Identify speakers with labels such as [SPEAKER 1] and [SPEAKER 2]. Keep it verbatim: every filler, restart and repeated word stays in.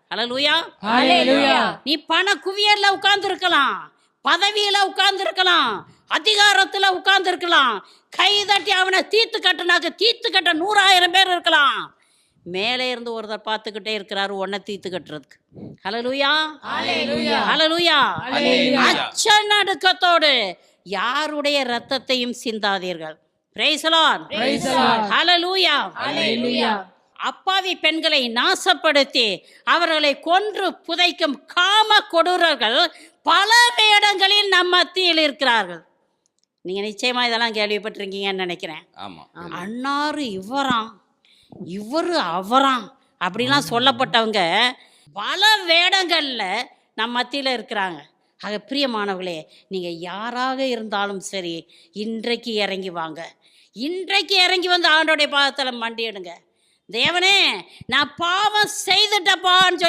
[SPEAKER 1] ஹல்லேலூயா.
[SPEAKER 2] ஹல்லேலூயா.
[SPEAKER 1] நீ பண குவியல்ல உட்கார்ந்து இருக்கலாம், பதவியில உட்கார்ந்து இருக்கலாம், அதிகாரத்துல உட்கார்ந்து இருக்கலாம். கை தட்டி அவனை தீர்த்து கட்டினாக்க தீர்த்து கட்ட நூறாயிரம் பேர் இருக்கலாம். மேலே இருந்து ஒருத்தர் பார்த்துக்கிட்டே இருக்கிறாரு உன்னை தீர்த்து கட்டுறதுக்கு. ஹல்லேலூயா.
[SPEAKER 2] ஹல்லேலூயா.
[SPEAKER 1] ஹல்லேலூயா.
[SPEAKER 2] ஹல்லேலூயா.
[SPEAKER 1] அச்ச நடுக்கத்தோடு யாருடைய இரத்தத்தையும் சிந்தாதீர்கள். Praise the Lord.
[SPEAKER 2] Praise the Lord.
[SPEAKER 1] Hallelujah.
[SPEAKER 2] Hallelujah.
[SPEAKER 1] அப்பாவி பெண்களை நாசப்படுத்தி அவர்களை கொன்று புதைக்கும் காம கொடூரர்கள் பல வேடங்களில் நம் மத்தியில் இருக்கிறார்கள். நீங்க நிச்சயமா இதெல்லாம் கேள்விப்பட்டிருக்கீங்கன்னு நினைக்கிறேன்.
[SPEAKER 3] ஆமா.
[SPEAKER 1] அன்னாரு இவராம், இவரு அவராம் அப்படிலாம் சொல்லப்பட்டவங்க பல வேடங்கள்ல நம் மத்தியில் இருக்கிறாங்க. ஆக பிரியமானவர்களே, நீங்க யாராக இருந்தாலும் சரி, இன்றைக்கு இறங்கி வாங்க. இன்றைக்கு இறங்கி வந்து ஆண்டோடைய பாதத்தில் மண்டியிடுங்க. தேவனே, நான் பாவம் செய்துட்டப்பான்னு சொல்லி